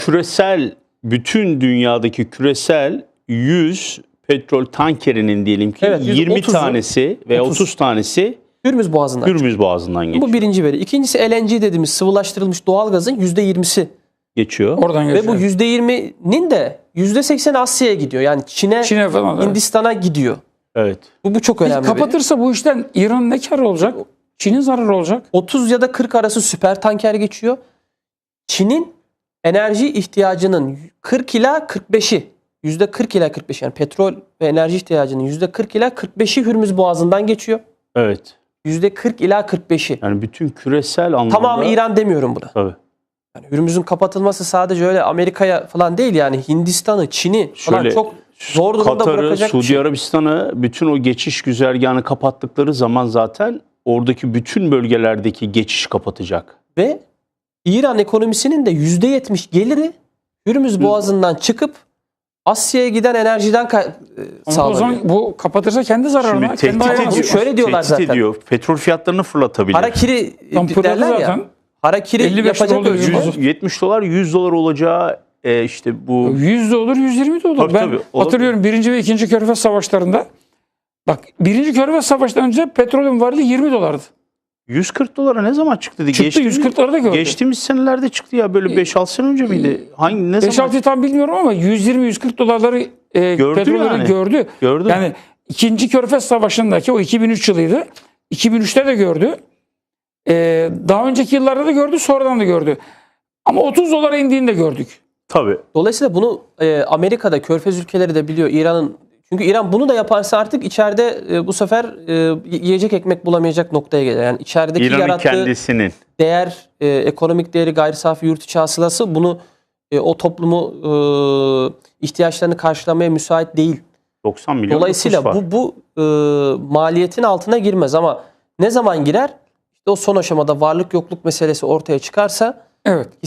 Küresel, bütün dünyadaki küresel 100 petrol tankerinin diyelim ki Evet, 20 30'u tanesi veya 30 tanesi Hürmüz Boğazı'ndan çıkıyor. Hürmüz Boğazı'ndan geçiyor. Bu birinci veri. İkincisi LNG dediğimiz sıvılaştırılmış doğalgazın %20'si. Geçiyor. Oradan Ve geçiyor. bu %20'nin de %80'i Asya'ya gidiyor. Yani Çin'e falan. Evet. Hindistan'a gidiyor. Evet. Bu çok Peki önemli. kapatırsa bu işten İran ne kar olacak? Çin'in zararı olacak. 30 ya da 40 arası süper tanker geçiyor. Çin'in enerji ihtiyacının 40 ila 45'i, %40 ila 45 yani petrol ve enerji ihtiyacının %40 ila 45'i Hürmüz Boğazı'ndan geçiyor. Evet. %40 ila 45'i. Yani bütün küresel anlamda. Tamamı İran demiyorum buna. Tabii. Yani Hürmüz'ün kapatılması sadece öyle Amerika'ya falan değil, yani Hindistan'ı, Çin'i falan Şöyle, çok zor durumda Katar'ı, bırakacak bir Suudi şey. Arabistan'ı bütün o geçiş güzergahını kapattıkları zaman zaten oradaki bütün bölgelerdeki geçiş kapatacak. Ve İran ekonomisinin de %70 geliri Hürmüz Boğazı'ndan çıkıp Asya'ya giden enerjiden Ama o sağlanıyor. zaman bu kapatırsa kendi zararına. Şimdi Kendi tehdit ayağına ediyor. sıkar. Şöyle diyorlar Tehdit zaten. ediyor. Petrol fiyatlarını fırlatabilir. Harakiri Tam fırladı derler ya. zaten. Harakiri 55 yapacak oldu, ölçüde. 70 dolar 100 dolar olacağı işte bu 100 de olur, 120 de olur. Tabii, Ben tabii, olur. hatırlıyorum 1. ve 2. Körfez Savaşları'nda. Bak 1. Körfez Savaşı'ndan önce petrolün varlığı 20 dolardı. 140 dolara ne zaman çıktı? Çıktı, 140'ları da gördü. Geçtiğimiz senelerde çıktı ya, böyle 5-6 sene önce miydi? Hangi ne zaman? 5-6 tam bilmiyorum ama 120-140 dolarları petrolleri yani. gördü. Gördü. Yani 2. Körfez Savaşı'ndaki o 2003 yılıydı. 2003'te de gördü. Daha önceki yıllarda da gördü, sonradan da gördü. Ama 30 dolara indiğini de gördük. Tabii. Dolayısıyla bunu Amerika'da, Körfez ülkeleri de biliyor. İran'ın, çünkü İran bunu da yaparsa artık içeride bu sefer yiyecek ekmek bulamayacak noktaya gelir. Yani içerideki İran'ın yarattığı kendisinin. değer, ekonomik değeri, gayri safi yurt içi hasılası bunu o toplumu ihtiyaçlarını karşılamaya müsait değil. 90 milyon Dolayısıyla nüfus var. bu maliyetin altına girmez, ama ne zaman girer? İşte o son aşamada varlık yokluk meselesi ortaya çıkarsa Evet.